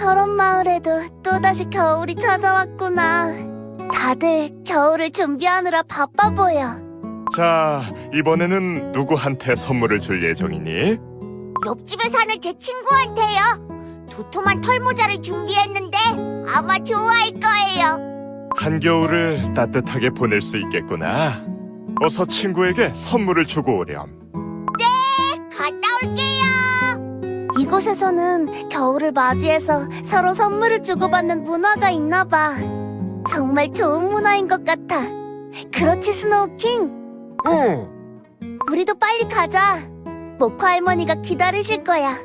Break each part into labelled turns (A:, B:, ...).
A: 철원 마을에도 또다시 겨울이 찾아왔구나. 다들 겨울을 준비하느라 바빠 보여.
B: 자, 이번에는 누구한테 선물을 줄 예정이니?
A: 옆집에 사는 제 친구한테요. 두툼한 털모자를 준비했는데 아마 좋아할 거예요.
B: 한겨울을 따뜻하게 보낼 수 있겠구나. 어서 친구에게 선물을 주고 오렴.
A: 갔다 올게요. 이곳에서는 겨울을 맞이해서 서로 선물을 주고받는 문화가 있나 봐. 정말 좋은 문화인 것 같아. 그렇지, 스노우킹?
B: 응.
A: 우리도 빨리 가자. 모코 할머니가 기다리실 거야.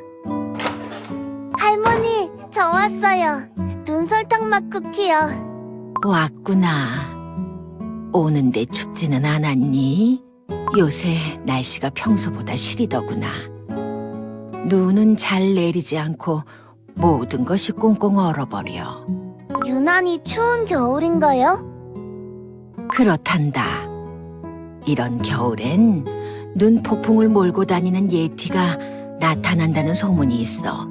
A: 할머니, 저 왔어요. 눈설탕 맛 쿠키요.
C: 왔구나. 오는데 춥지는 않았니? 요새 날씨가 평소보다 시리더구나. 눈은 잘 내리지 않고 모든 것이 꽁꽁 얼어버려.
A: 유난히 추운 겨울인가요?
C: 그렇단다. 이런 겨울엔 눈 폭풍을 몰고 다니는 예티가 나타난다는 소문이 있어.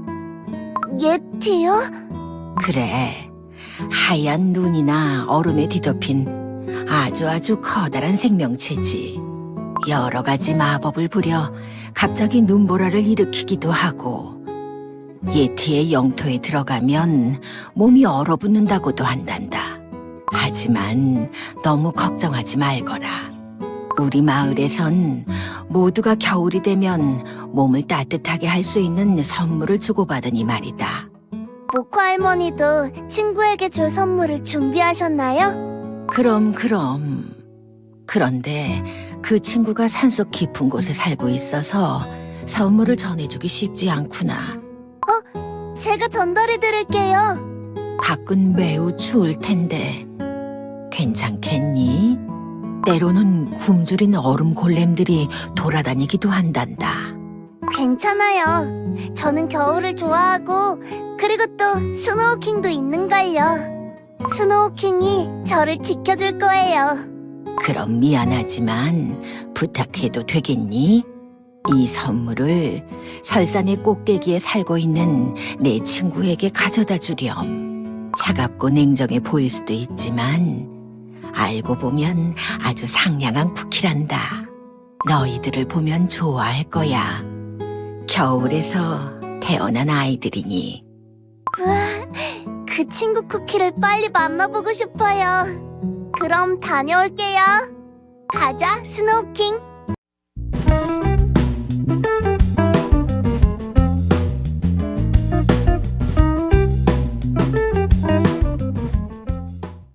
A: 예티요?
C: 그래, 하얀 눈이나 얼음에 뒤덮인 아주 커다란 생명체지. 여러 가지 마법을 부려 갑자기 눈보라를 일으키기도 하고, 예티의 영토에 들어가면 몸이 얼어붙는다고도 한단다. 하지만 너무 걱정하지 말거라. 우리 마을에선 모두가 겨울이 되면 몸을 따뜻하게 할 수 있는 선물을 주고받으니 말이다.
A: 모코 할머니도 친구에게 줄 선물을 준비하셨나요?
C: 그럼. 그런데 그 친구가 산속 깊은 곳에 살고 있어서 선물을 전해주기 쉽지 않구나.
A: 제가 전달해 드릴게요.
C: 밖은 매우 추울 텐데 괜찮겠니? 때로는 굶주린 얼음 골렘들이 돌아다니기도 한단다.
A: 괜찮아요. 저는 겨울을 좋아하고 그리고 또 스노우킹도 있는걸요. 스노우킹이 저를 지켜줄 거예요.
C: 그럼 미안하지만 부탁해도 되겠니? 이 선물을 설산의 꼭대기에 살고 있는 내 친구에게 가져다 주렴. 차갑고 냉정해 보일 수도 있지만 알고 보면 아주 상냥한 쿠키란다. 너희들을 보면 좋아할 거야. 겨울에서 태어난 아이들이니.
A: 우와, 그 친구 쿠키를 빨리 만나보고 싶어요. 그럼 다녀올게요. 가자, 스노우킹.